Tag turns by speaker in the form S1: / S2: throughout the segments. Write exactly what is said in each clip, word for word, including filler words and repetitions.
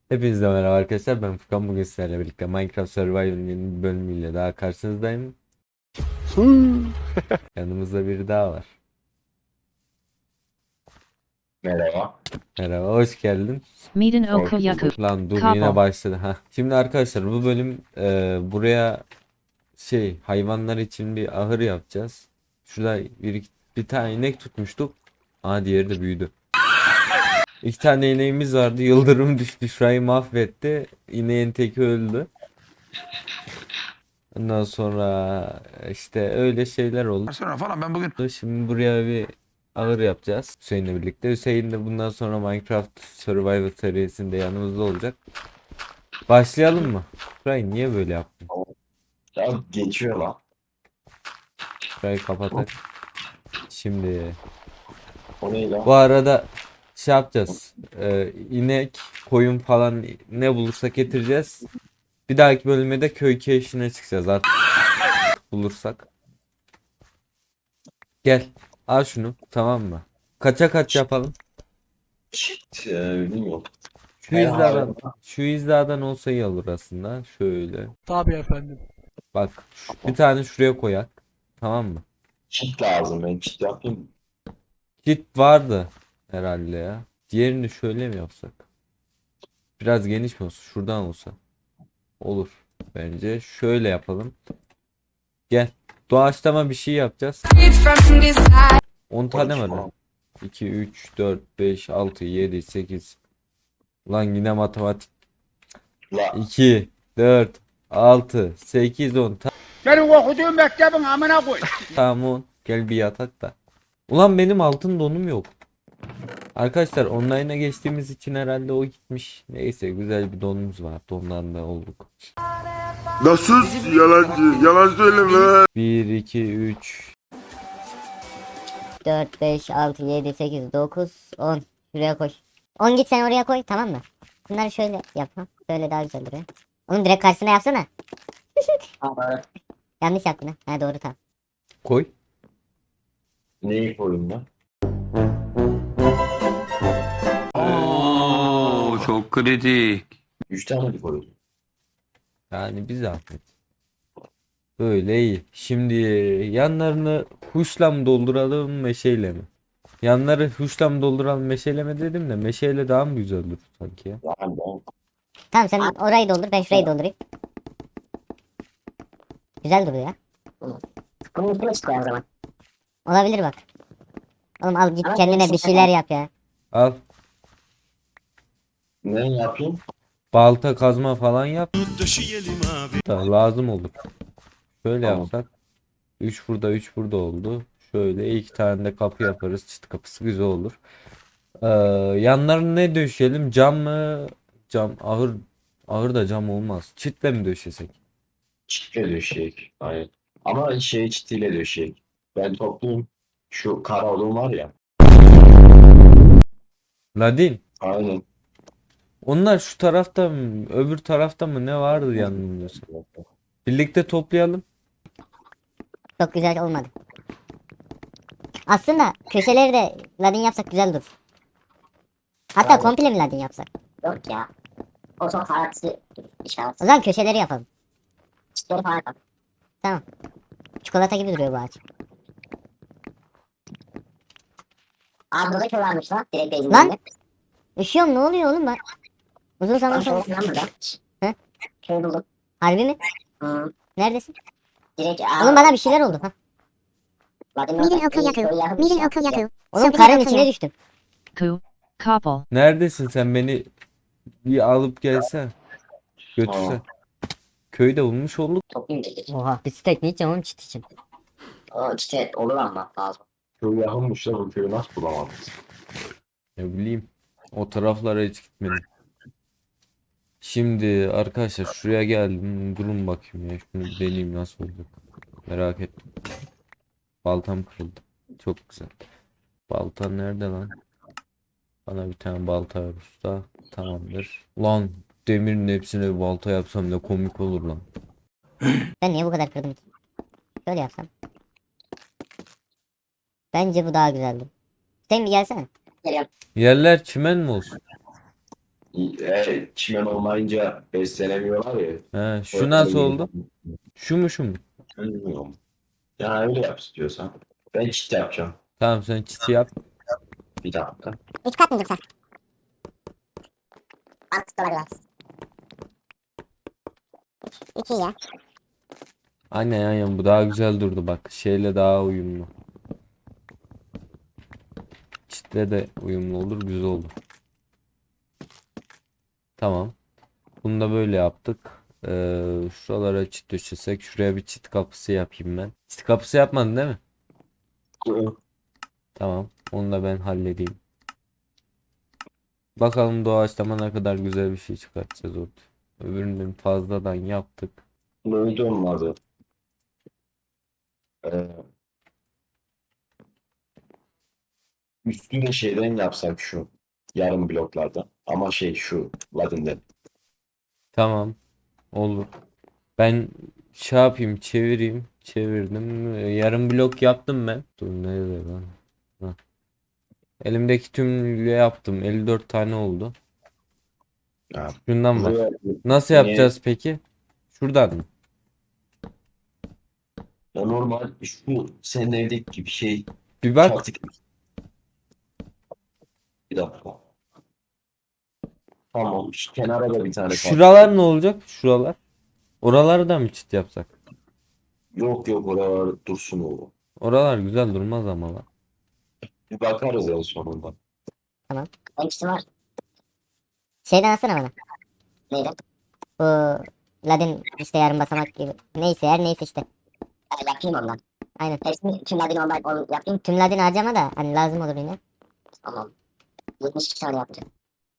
S1: Hepinize merhaba arkadaşlar, ben Furkan. Bugün sizlerle birlikte Minecraft Survival'ın yeni bir bölümüyle daha karşınızdayım. Yanımızda biri daha var.
S2: Merhaba.
S1: Merhaba, hoş geldin.
S3: Miden
S2: Hoş
S3: Okoyaku.
S2: bulduk.
S1: Lan dur, yine
S3: Kapo.
S1: başladı. ha. Şimdi arkadaşlar, bu bölüm e, buraya şey hayvanlar için bir ahır yapacağız. Şurada bir, bir tane inek tutmuştuk. Aa, diğeri de büyüdü. İki tane ineğimiz vardı. Yıldırım düştü, şurayı mahvetti. İneğin teki öldü. Ondan sonra işte öyle şeyler oldu.
S4: Sonra falan ben bugün
S1: Şimdi buraya bir ağır yapacağız Hüseyin'le birlikte. Hüseyin de bundan sonra Minecraft Survival serisinde yanımızda olacak. Başlayalım mı? Şurayı niye böyle yaptın?
S2: Ya geçiyor lan.
S1: Şurayı kapatak. Şimdi
S2: O ne lan?
S1: bu arada şey yapacağız. Ee, inek, koyun falan ne bulursak getireceğiz. Bir dahaki bölümde de köy keşfine çıkacağız artık bulursak. Gel. Al şunu, tamam mı? Kaça kaç yapalım?
S2: Shit. Ee, bilmiyorum.
S1: Şu
S2: Her
S1: hizadan,
S2: hayvan-
S1: şu hizadan olsa iyi olur aslında. Şöyle.
S5: Tabii efendim.
S1: Bak, şu- bir tane şuraya koyak. Tamam mı?
S2: Çit lazım. Ben çit yapayım.
S1: Kit vardı herhalde ya. Diğerini şöyle mi yapsak? Biraz geniş mi olsa? Şuradan olsa. Olur. Bence şöyle yapalım. Gel. Doğaçlama bir şey yapacağız. on tane var lan. iki, üç, dört, beş, altı, yedi, sekiz. Lan yine matematik.
S2: La.
S1: iki, dört, altı, sekiz, on.
S5: Senin okuduğun mektebin amına koy.
S1: Tamam on. Gel bir yatak da. Ulan benim altın donum yok. Arkadaşlar online'a geçtiğimiz için herhalde o gitmiş. Neyse, güzel bir donumuz var. Dondan da olduk.
S6: Nasıl yalancı? Yalan söyleme.
S1: bir, iki, üç.
S7: dört, beş, altı, yedi, sekiz, dokuz, on. Şuraya koy. on git sen oraya koy, tamam mı? Bunları şöyle yap. Ha. Böyle daha güzel duruyor. Onun direkt karşısına yapsana. Yanlış yaptın ha. Ha doğru, tamam.
S1: Koy.
S2: Neyi koyayım lan?
S4: Oo, çok kritik.
S2: Üç tane mi koyayım?
S1: Yani bir zahmet. Böyle iyi. Şimdi yanlarını huşla mı dolduralım, meşeyle mi? Yanları huşla mı dolduralım, meşeyle mi dedim de meşeyle daha mı güzel olur sanki ya?
S2: Yani ben
S7: Tamam, sen orayı doldur, ben şurayı doldurayım. Güzel duruyor ya.
S8: Bunun üstüne çık koy o zaman.
S7: Olabilir bak. Oğlum al git
S8: Ama
S7: kendine
S8: değişik
S7: bir şeyler yap ya.
S1: Al.
S2: ne yapayım?
S1: Balta, kazma falan yap. Da lazım olur. Şöyle
S2: Tamam.
S1: yapsak. üç burada, üç burada oldu. Şöyle iki tane de kapı yaparız. Çıt kapısı güzel olur. Ee, yanlarına ne döşeyelim? Cam mı? Cam, ahır. Ahır da cam olmaz. Çitle mi döşesek?
S2: Çitle döşeyek. Aynen. Ama şey çitiyle döşeyek. Ben toplayayım. Şu kara odun var ya.
S1: Ladin.
S2: Aynen.
S1: Onlar şu tarafta mı, öbür tarafta mı ne vardı yanılmıyorsam. Birlikte toplayalım.
S7: Çok güzel olmadı. Aslında köşeleri de ladin yapsak güzel durur. Hatta
S2: Aynen.
S7: komple mi ladin yapsak?
S8: Yok ya. O çok hararetli işaret.
S7: O zaman köşeleri yapalım.
S8: Çitleri falan yap.
S7: Çikolata gibi duruyor bu ağaç.
S8: Abi burada köy varmış lan. Direkt base'in
S7: Lan!
S8: önünde.
S7: Üşüyorum, ne oluyor oğlum ben? Uzun zaman
S8: Lan
S7: sonra.
S8: köy lan burada.
S7: He?
S8: Köy buldum.
S7: Harbi mi?
S8: Hı.
S7: Neredesin?
S8: Direkt
S7: Oğlum bana bir şeyler oldu. Ha.
S8: Miden Okuyaku. Miden Okuyaku.
S7: Oğlum karın içine düştüm.
S3: Ku. Kapo.
S1: Neredesin sen, beni bir alıp gelsen. Götürsen.
S2: Tamam.
S1: Köyde bulmuş olduk.
S8: Toplayayım dedik.
S7: Oha, bir steak ne yiyeceğim oğlum çit için.
S8: O çite olur ama lazım.
S2: Köy yakınmış da bu köyü nasıl bulamadım?
S1: Ne bileyim. O taraflara hiç gitmedim. Şimdi arkadaşlar şuraya geldim. Durun bakayım ya. Şunu bir deneyeyim nasıl olacak. Merak ettim. Baltam kırıldı. Çok güzel. Balta nerede lan? Bana bir tane balta ver usta. Tamamdır. Lan, demirin hepsine bir balta yapsam ne komik olur lan.
S7: Ben niye bu kadar kırdım ki? Şöyle yapsam. Bence bu daha güzeldi. Sen bir gelsene.
S8: Geliyorum.
S1: Yerler çimen mi olsun?
S2: E, çimen olmayınca beslenemiyorlar ya.
S1: He, şu
S2: Öyle
S1: nasıl
S2: yeni-
S1: oldu? Şu mu şu mu?
S2: Bilmiyorum. Ya öyle yap istiyorsan. Ben çit yapacağım.
S1: Tamam sen çiti yap.
S2: Bir dakika.
S8: Üç kat mı dursa? Mantıklı olabilir. İki ya.
S1: Aynen aynen bu daha güzel durdu bak. Şeyle daha uyumlu. Çitle de uyumlu olur, güzel olur. Tamam. Bunu da böyle yaptık. Ee, şuralara çit döşesek. Şuraya bir çit kapısı yapayım ben. Çit kapısı yapmadın değil mi? Tamam. Onu da ben halledeyim. Bakalım doğaçlama ne kadar güzel bir şey çıkartacağız orada. Öbüründen fazladan yaptık.
S2: Neydi onun adı? Ee, Üstünde şeyden yapsak şu. Yarım bloklardan. Ama şey şu. Ladin'den.
S1: Tamam. Olur. Ben şey yapayım, çevireyim. Çevirdim. Ee, Yarım blok yaptım ben. Dur nerede lan? Hah. Elimdeki tümüyle yaptım. elli dört tane oldu.
S2: Ha,
S1: Şundan var.
S2: buraya
S1: Nasıl
S2: niye-
S1: yapacağız peki? Şuradan mı?
S2: Ya normal şu senin evdeki gibi şey.
S1: Bir bak.
S2: Çatık. Bir dakika. Tamam. Şu kenara da bir tane çatık.
S1: Şuralar ne olacak? Şuralar. Oraları da mı çit yapsak?
S2: Yok yok oralar dursun o.
S1: Oralar güzel durmaz ama lan.
S2: Bir bakarız en sonunda.
S8: Benim çitim var.
S7: Şeyden alsana bana.
S8: Neydi?
S7: Bu Ladin işte yarım basamak gibi. Neyse her neyse işte.
S8: E, yapayım ondan.
S7: Aynen.
S8: Hepsini tüm ladin olmayıp onu yapayım.
S7: Tüm Ladin harcama da hani lazım olur yine.
S8: Tamam. yetmiş iki tane yapacağım.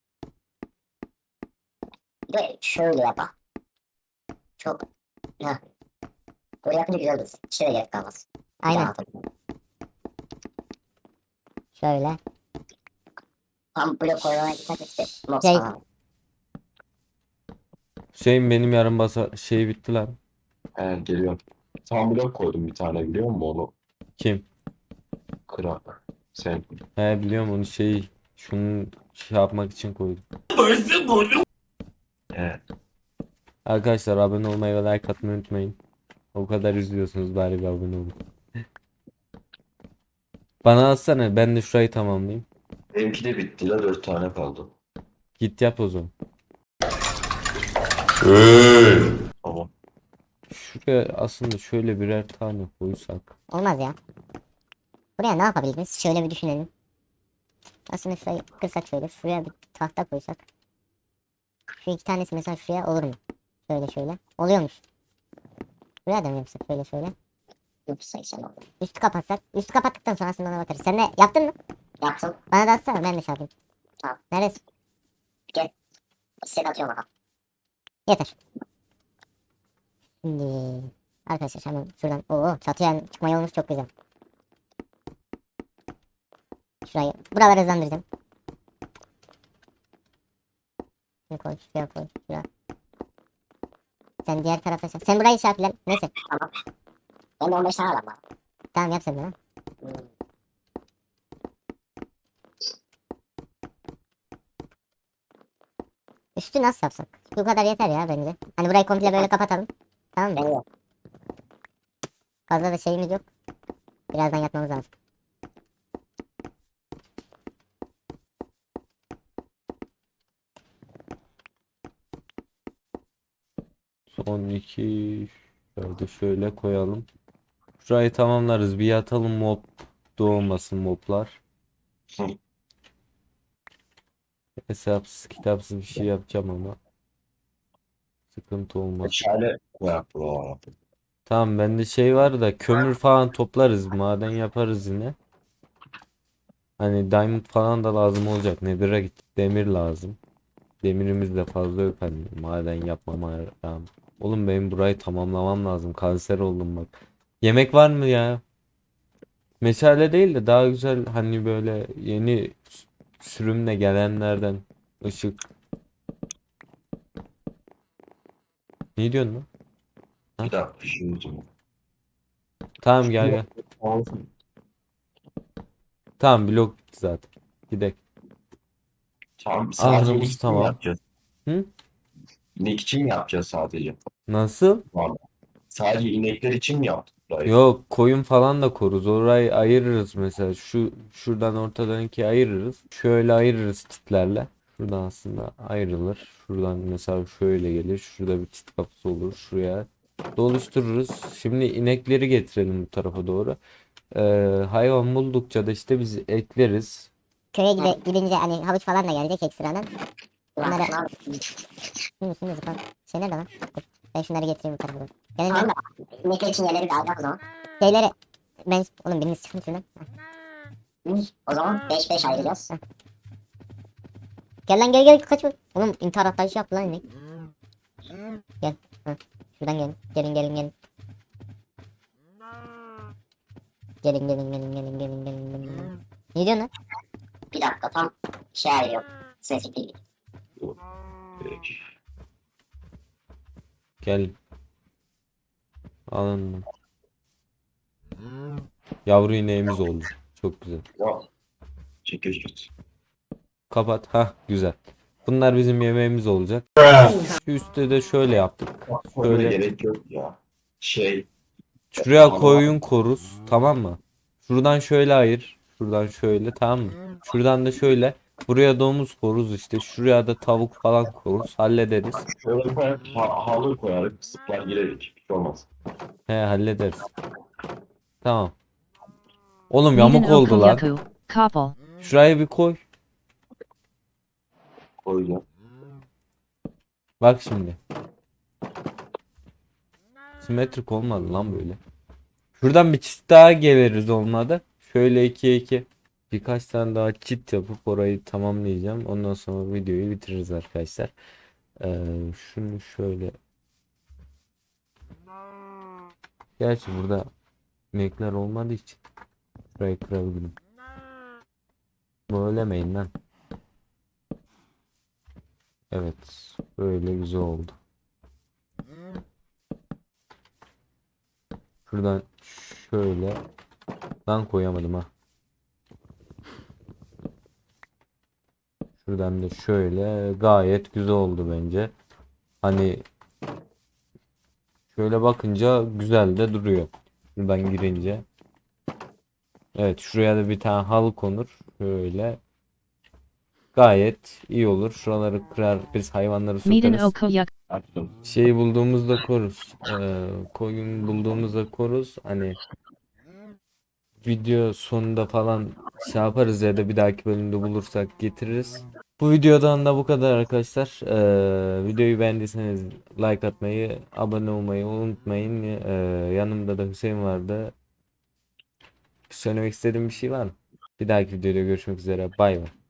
S8: Bir de şöyle yapa. Çok. Heh. Böyle yapınca güzel olur. İşe de gerek kalmaz. Bir
S7: Aynen.
S8: daha atalım.
S7: Şöyle.
S8: Tam blok koymaya gitmek işte. Mob
S7: Şey-
S8: falan.
S1: Hüseyin benim yarım basa şey bitti lan.
S2: He geliyorum. Tam blok koydum bir tane biliyor musun onu?
S1: Kim?
S2: Kırak. Sen.
S1: He biliyorum onu şey şunu şey yapmak için koydum.
S2: He.
S1: Arkadaşlar abone olmayı ve like atmayı unutmayın. O kadar izliyorsunuz bari bir abone olun. Bana atsana ben de şurayı tamamlayayım.
S2: Benimki de bitti la dört tane kaldı.
S1: Git yap o zaman.
S2: Tamam.
S1: Şuraya aslında şöyle birer tane koysak.
S7: Olmaz ya. Buraya ne yapabiliriz? Şöyle bir düşünelim. Aslında şurayı kırsak şöyle. Şuraya bir tahta koysak. Şu iki tanesi mesela şuraya olur mu? Şöyle şöyle. Oluyormuş. Buraya da mı yapsak? Şöyle şöyle.
S8: yüz seksen oldu.
S7: Üstü kapatsak. Üstü kapattıktan sonra aslında ona bakarız. Sen de yaptın mı?
S8: Yaptım.
S7: Bana da atsana ben de şey yapayım.
S8: Tamam.
S7: Neresi?
S8: Size de atıyorum bakalım.
S7: Yeter. Şimdi arkadaşlar hemen şuradan. Oo çatıya çıkma yolumuz çok güzel. Şurayı. Buraları hızlandıracağım. Şuraya koy, şuraya koy, şuraya. Sen diğer tarafa sen. Sen burayı şey yap lan. Neyse.
S8: Ben de on beş tane alalım bana.
S7: Tamam yap sen de lan.
S8: Hmm.
S7: Üstü nasıl yapsak? Bu kadar yeter ya bence. Hani burayı komple böyle kapatalım. Tamam mı?
S8: Evet.
S7: Fazla da şeyimiz yok. Birazdan yatmamız lazım.
S1: Son iki şöyle şöyle koyalım. Şurayı tamamlarız. Bir yatalım mob doğmasın moblar.
S2: Hı.
S1: Hesapsız kitapsız bir şey yapacağım ama. Sıkıntı olmaz.
S2: Şöyle yap. Oo.
S1: Tamam bende şey var da kömür falan toplarız. Maden yaparız yine. Hani diamond falan da lazım olacak. Nether'a gittik. Demir lazım. Demirimiz de fazla yok hani. Maden yapmama rağmen. Oğlum benim burayı tamamlamam lazım. Kanser oldum bak. Yemek var mı ya? Meşale değil de daha güzel hani böyle yeni sürümle gelenlerden ışık. Ne diyorsun lan?
S2: Bir dakika şimdi.
S1: Tamam gel gel. Tamam blok bitti zaten. Gidelim.
S2: Tamam sadece
S1: Ahırımız
S2: inek için
S1: tamam.
S2: yapacağız.
S1: Hı?
S2: İnek için mi yapacağız sadece?
S1: Nasıl?
S2: Tamam. Sadece inekler için mi yaptık burayı?
S1: Yok, koyun falan da koruz. Orayı ayırırız mesela. Şu şuradan ortadan ikiye ayırırız. Şöyle ayırırız çitlerle. Şuradan aslında ayrılır. Şuradan mesela şöyle gelir. Şurada bir çit kapısı olur. Şuraya doluştururuz. Şimdi inekleri getirelim bu tarafa doğru. Ee, hayvan buldukça da işte biz ekleriz.
S7: Köye gide, gidince hani havuç falan da gelecek ekstradan.
S8: Ulan
S7: Bunları-
S8: şunu al.
S7: Şunun üstünde zıplar. Şey nerede lan? Dur. Ben şunları getireyim bu tarafa doğru. Gelin
S8: Tamam
S7: ben
S8: da inekler için yerleri bir alacak o zaman.
S7: şeyleri... Ben... Oğlum biriniz çıkın şuradan.
S8: Yüz. O zaman beş beş ayıracağız.
S7: Gel lan gel gel kaçma. Oğlum intihar atlayışı yaptı lan inek. Gel. Hı. Şuradan gelin. Gelin gelin gelin. Gelin gelin gelin gelin gelin gelin gelin. Ne diyorsun lan?
S8: Bir dakika tam şey ayırıyorum. Spesifik değil.
S2: Peki.
S1: Gel. Alın. Yavru ineğimiz oldu. Çok güzel.
S2: Yok. Çekiş git.
S1: Kapat. Ha, güzel. Bunlar bizim yemeğimiz olacak. Şu üstte de şöyle yaptık.
S2: Böyle
S1: Şöyle.
S2: gerek yok ya. Şey.
S1: Şuraya koyun koruz. Tamam mı? Şuradan şöyle ayır. Şuradan şöyle, tamam mı? Şuradan da şöyle. Buraya domuz koruz işte. Şuraya da tavuk falan koruz. Hallederiz.
S2: Şöyle koyar, ha, halı koyarık, sıplar girerik. Bir şey olmaz.
S1: He, hallederiz. Tamam. Oğlum
S3: Niden
S1: yamuk oldu lan.
S3: Okoyaku, Koppel.
S1: Şuraya bir koy.
S2: Koyacağım.
S1: Bak şimdi. Simetrik olmadı lan böyle. Şuradan bir çift daha geliriz olmadı. Şöyle ikiye iki. Birkaç tane daha çit yapıp orayı tamamlayacağım. Ondan sonra videoyu bitiririz arkadaşlar. Ee, şunu şöyle. Gerçi burada inekler olmadığı için şurayı kırabilirim. Böylemeyin lan. Evet. Böyle güzel oldu. Şuradan şöyle. Lan koyamadım ha. Şuradan da şöyle. Gayet güzel oldu bence. Hani şöyle bakınca güzel de duruyor. Şuradan girince. Evet, şuraya da bir tane halı konur. Şöyle. Gayet iyi olur. Şuraları kırar, biz hayvanları
S3: Niden
S1: sokarız.
S3: Okoyaku.
S2: Açtım.
S1: Şeyi bulduğumuzda koruz. Ee, koyun bulduğumuzda koruz. Hani video sonunda falan şey yaparız ya da bir dahaki bölümde bulursak getiririz. Bu videodan da bu kadar arkadaşlar. Ee, videoyu beğendiyseniz like atmayı, abone olmayı unutmayın. Ee, yanımda da Hüseyin vardı. Söylemek istediğim bir şey var mı? Bir dahaki videoda görüşmek üzere. Bay bay.